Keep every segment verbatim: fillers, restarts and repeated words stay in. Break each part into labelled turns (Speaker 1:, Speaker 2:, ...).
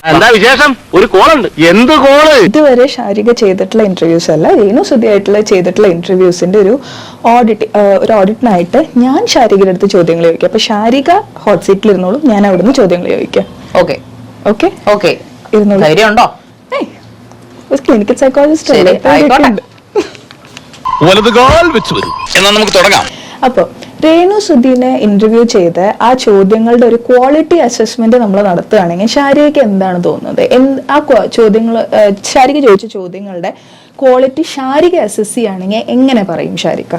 Speaker 1: എന്താ വിശേഷം? ഒരു കോളുണ്ട്. എന്ത് കോള്?
Speaker 2: ഇതുവരെ ഷാരിക ചെയ്തിട്ടുള്ള ഇന്റർവ്യൂസ് അല്ല, രേണു സുധി ആയിട്ടുള്ള ചെയ്തിട്ടുള്ള ഇന്റർവ്യൂസിന്റെ ഒരു ഓഡിറ്റ് ഒരു ഓഡിറ്റിനായിട്ട് ഞാൻ ഷാരികയുടെ അടുത്ത് ചോദ്യങ്ങൾ ചോദിക്കാം. അപ്പൊ ഷാരിക ഹോട്ട് സീറ്റിൽ ഇരുന്നോളൂ, ഞാൻ അവിടുന്ന് ചോദ്യങ്ങൾ ചോദിക്കാം.
Speaker 3: ഓക്കെ
Speaker 2: ഓക്കെ
Speaker 3: ഓക്കെ
Speaker 2: ഇരുന്നോളൂ.
Speaker 3: ധൈര്യമുണ്ടോ?
Speaker 2: ക്ലിനിക്കൽ സൈക്കോളജിസ്റ്റ് അല്ലേ?
Speaker 1: എന്നാ നമുക്ക് തുടങ്ങാം.
Speaker 2: അപ്പോൾ രേണു സുധീനെ ഇന്റർവ്യൂ ചെയ്ത് ആ ചോദ്യങ്ങളുടെ ഒരു ക്വാളിറ്റി അസസ്മെന്റ് നമ്മൾ നടത്തുകയാണെങ്കിൽ ഷാരികയ്ക്ക് എന്താണ് തോന്നുന്നത്? ആ ചോദ്യങ്ങൾ ഷാരിക ചോദിച്ച ചോദ്യങ്ങളുടെ ക്വാളിറ്റി ഷാരിക അസസ് ചെയ്യുകയാണെങ്കിൽ എങ്ങനെ പറയും ഷാരിക?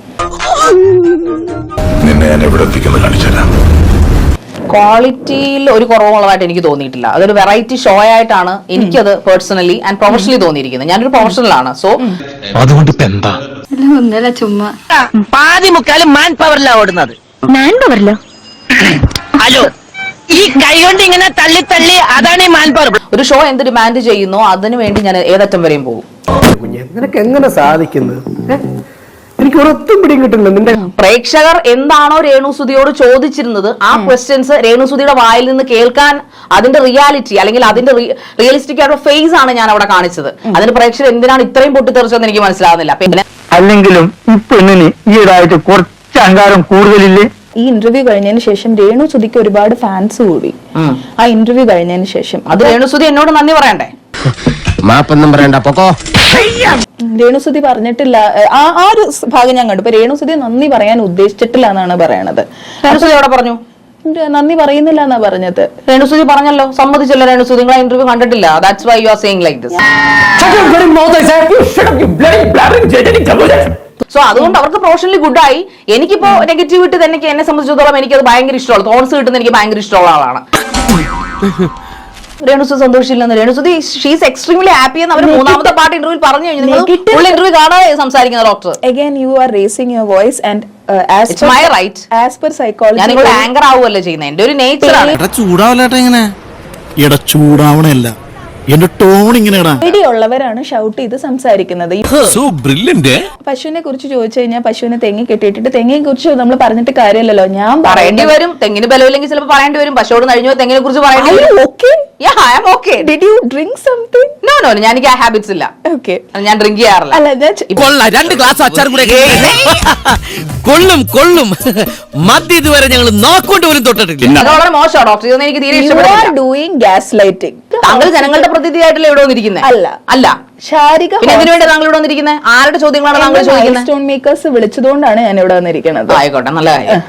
Speaker 3: ക്വാളിറ്റിയിൽ ഒരു കുറവുള്ളതായിട്ട് എനിക്ക് തോന്നിയിട്ടില്ല. അതൊരു വെറൈറ്റി ഷോ ആയിട്ടാണ് എനിക്കത് പേഴ്സണലി ആൻഡ് പ്രൊഫഷണലി തോന്നിയിരിക്കുന്നത്. ഞാനൊരു പ്രൊഫഷണൽ ആണ്. സോ
Speaker 1: അതുകൊണ്ട് ഇപ്പൊ എന്താ
Speaker 4: ഒന്നല്ല ചുമ്മാ
Speaker 5: പാതി മുക്കാലും മാൻ പവറിലാ ഓടുന്നത്.
Speaker 4: മാൻ പവറിലോ?
Speaker 5: ഹലോ, ഈ കൈ കൊണ്ട് ഇങ്ങനെ തള്ളി തള്ളി അതാണ് ഈ മാൻ പവർ.
Speaker 3: ഒരു ഷോ എന്ത് ഡിമാൻഡ് ചെയ്യുന്നോ അതിനു വേണ്ടി ഞാൻ ഏതറ്റം വരെയും പോകും.
Speaker 6: നിനക്ക് എങ്ങനെ സാധിക്കുന്നത്? എനിക്ക് ഒരൊത്തും പിടിയും കിട്ടുന്നില്ല. നിന്റെ
Speaker 3: പ്രേക്ഷകർ എന്താണോ രേണു സുധിയോട് ചോദിച്ചിരുന്നത് ആ ക്വസ്റ്റ്യൻസ് രേണു സുധിയുടെ വായിൽ നിന്ന് കേൾക്കാൻ അതിന്റെ റിയാലിറ്റി അല്ലെങ്കിൽ അതിന്റെ റിയലിസ്റ്റിക് ആയിട്ടുള്ള ഫേസ് ആണ് ഞാൻ അവിടെ കാണിച്ചത്. അതിന് പ്രേക്ഷകർ എന്തിനാണ് ഇത്രയും പൊട്ടിത്തെറിച്ചതെന്ന് എനിക്ക് മനസ്സിലാവുന്നില്ല. പിന്നെ
Speaker 7: അല്ലെങ്കിലും ഈ പെണ്ണിന് ഈയിടായിട്ട് കുറച്ച് അഹങ്കാരം കൂടുതലില്ലേ?
Speaker 2: ഈ ഇന്റർവ്യൂ കഴിഞ്ഞതിന് ശേഷം രേണു സുധിക്ക് ഒരുപാട് ഫാൻസ് കൂടി. ആ ഇന്റർവ്യൂ കഴിഞ്ഞതിന് ശേഷം
Speaker 3: അത് രേണു സുധി എന്നോട് നന്ദി പറയണ്ടേ?
Speaker 1: മാപ്പൊന്നും പറയണ്ട, പൊക്കോ.
Speaker 2: രേണു സുധി പറഞ്ഞിട്ടില്ല. ആ ആ ഒരു ഭാഗം ഞാൻ കണ്ടു. ഇപ്പൊ രേണു സുധി നന്ദി പറയാൻ ഉദ്ദേശിച്ചിട്ടില്ല എന്നാണ് പറയണത്.
Speaker 3: രേണു സുധി എവിടെ പറഞ്ഞു?
Speaker 2: നന്ദി പറയുന്നില്ല എന്നാ പറഞ്ഞത്.
Speaker 3: രേണു സുധി പറഞ്ഞല്ലോ, സമ്മതിച്ചല്ലോ രേണു സുധി. നിങ്ങൾ ഇന്റർവ്യൂ കണ്ടിട്ടില്ല. That's why you are saying like this. So അതുകൊണ്ട് അവർക്ക് പ്രൊഫഷണലി ഗുഡ് ആയി. എനിക്കിപ്പോ നെഗറ്റിവിറ്റി തന്നെ എന്നെ സംബന്ധിച്ചിടത്തോളം എനിക്കത് ഭയങ്കര ഇഷ്ടമാണ്. തോൺസ് കിട്ടുന്ന എനിക്ക് ഭയങ്കര ഇഷ്ടമുള്ള ആളാണ്. രേണുസുധി സന്തോഷിച്ചില്ലെന്ന് രേണുസുധി ഷീസ് എക്സ്ട്രീംലി ഹാപ്പി എന്ന് അവർ മൂന്നാമത്തെ പാർട്ട് ഇന്റർവ്യൂ പറഞ്ഞു കഴിഞ്ഞു. നിങ്ങൾ ഫുൾ ഇന്റർവ്യൂ കാണാതെ സംസാരിക്കുന്ന doctor.
Speaker 2: Again you are raising your voice and uh, as
Speaker 3: It's my right.
Speaker 2: As per psychology
Speaker 3: ഞാൻ നിങ്ങൾ ആങ്കർ ആവുകയല്ലേ ചെയ്യുന്നത്. എന്റെ ഒരു നേച്ചർ ആണ്.
Speaker 8: ചൂടാവല്ലേട്ടാ ഇങ്ങനെ ഇട ചൂടാവണല്ല. എന്റെ ടോൺ ഇങ്ങനെയാ.
Speaker 2: ഉള്ളവരാണ് ഷൗട്ട് ചെയ്ത് സംസാരിക്കുന്നത്. പശുവിനെ കുറിച്ച് ചോദിച്ചു കഴിഞ്ഞാൽ പശുവിനെ തെങ്ങി കെട്ടിയിട്ടിട്ട് തെങ്ങിനെ കുറിച്ച് നമ്മൾ പറഞ്ഞിട്ട് കാര്യമല്ലല്ലോ. ഞാൻ
Speaker 3: പറയേണ്ടി വരും. തെങ്ങിന് ബലമില്ലെങ്കിൽ ചിലപ്പോൾ പറയേണ്ടി വരും. പശുവോട് കഴിഞ്ഞു തെങ്ങിനെ കുറിച്ച് പറയേണ്ടി വരും.
Speaker 2: Okay?
Speaker 3: Yeah, I am okay.
Speaker 2: Did you drink something?
Speaker 3: No, no, ഞാൻ എനിക്ക് ആ ഹാബിറ്റ്സ് ഇല്ല.
Speaker 2: Okay.
Speaker 3: ഞാൻ ഡ്രിങ്ക് ചെയ്യാറില്ല.
Speaker 2: അല്ല
Speaker 8: കൊള്ളാം, രണ്ട് ഗ്ലാസ് അച്ചാർ കൂടെ കൊള്ളും കൊള്ളും. മദ്യ ഇതുവരെ ഞങ്ങൾ നോക്കൊണ്ട് പോലും തൊട്ടിട്ടില്ല.
Speaker 3: അത് വളരെ മോശമാണ് ഡോക്ടർ. ഇതൊന്നും എനിക്ക് തീരെ ഇഷ്ടപ്പെടില്ല.
Speaker 2: doing gaslighting.
Speaker 3: താങ്കൾ ജനങ്ങളുടെ പ്രതിനിധിയായിട്ടല്ലേ ഇവിടെ വന്നിരിക്കുന്നത്?
Speaker 2: അല്ല
Speaker 3: അല്ല
Speaker 2: ഷാരിക
Speaker 3: പിന്നെ എന്തിനു വേണ്ടി താങ്കൾ ഇവിടെ വന്നിരിക്കുന്നത്? ആരുടെ ചോദ്യങ്ങളാണ് താങ്കൾ ചോദിക്കുന്നത്?
Speaker 2: സ്റ്റോൺ മേക്കേഴ്സ് വിളിച്ചതുകൊണ്ടാണ് ഞാൻ ഇവിടെ വന്നിരിക്കുന്നത്.
Speaker 3: ആയിക്കോട്ടെ, നല്ല കാര്യം.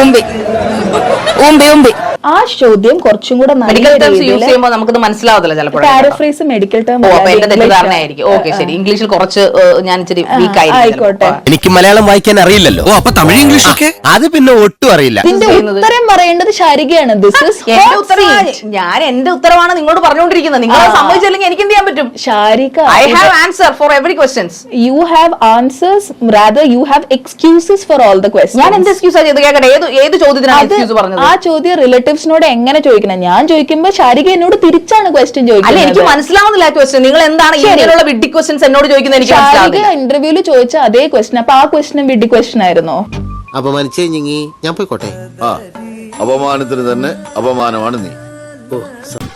Speaker 3: ആ ചോദ്യം കുറച്ചും കൂടെ മെഡിക്കൽ ടേംസ് യൂസ് ചെയ്യുമ്പോൾ നമുക്കത് മനസ്സിലാവത്തില്ല ചിലപ്പോൾ.
Speaker 2: പാരഫ്രേസ് മെഡിക്കൽ ടേം
Speaker 3: എന്റെ തെറ്റിദ്ധാരണയായിരിക്കും. ഓക്കെ ശരി, ഇംഗ്ലീഷിൽ കുറച്ച് ഞാൻ ഇച്ചിരി വീക്ക്
Speaker 2: ആയിക്കോട്ടെ.
Speaker 8: എനിക്ക് മലയാളം വായിക്കാൻ അറിയില്ലല്ലോ. ഓ അപ്പൊ തമിഴ് ഇംഗ്ലീഷ് ഒക്കെ അത് പിന്നെ ഒട്ടും അറിയില്ല.
Speaker 2: ഇതിന്റെ ഉത്തരം പറയേണ്ടത് ഷാരികയാണ്. ദിസ് ഈസ്
Speaker 3: എന്റെ ഉത്തരവാണ്. ഞാൻ എന്റെ ഉത്തരവാണ് നിങ്ങളോട് പറഞ്ഞുകൊണ്ടിരിക്കുന്നത്. നിങ്ങൾ സമ്മതിച്ചില്ലെങ്കിൽ എനിക്ക് എന്ത് ചെയ്യാൻ പറ്റും?
Speaker 2: Sharika,
Speaker 3: I have answer for every questions.
Speaker 2: You have answers, rather you have excuses for all the questions.
Speaker 3: ഞാൻ എന്ത് എക്സ്ക്യൂസ് ചെയ്ത് കേൾക്കട്ടെ? ഏത് ഏത് ചോദ്യത്തിനാണ് എക്സ്ക്യൂസ് പറഞ്ഞത്?
Speaker 2: ആ ചോദ്യം റിലേറ്റീവ്സിനോട് എങ്ങനെ ചോദിക്കണം? ഞാൻ ചോദിക്കുമ്പോൾ ഷാരിക എന്നോട് തിരിച്ചാണ് ക്വസ്റ്റ്യൻ ചോദിക്കുന്നത്.
Speaker 3: അല്ല, എനിക്ക് മനസ്സിലാവുന്നില്ല ക്വസ്റ്റ്യൻ. നിങ്ങൾ എന്താണ് ഇങ്ങനെയുള്ള വിഡ്ഢി ക്വസ്റ്റ്യൻസ് എന്നോട് ചോദിക്കുന്നത്? എനിക്ക് മനസ്സിലാവുന്നില്ല.
Speaker 2: ഇന്റർവ്യൂല് ചോദിച്ച അതേ ക്വസ്റ്റ്യൻ. അപ്പൊ ആ ക്വസ്റ്റ്യൻ വിഡ്ഢി ക്വസ്റ്റ്യൻ ആയിരുന്നോ?
Speaker 8: അപമാനിച്ചേ ഞാൻ പോയിക്കോട്ടെ.
Speaker 9: അപമാനത്തിന് തന്നെ അപമാനമാണ് നീ.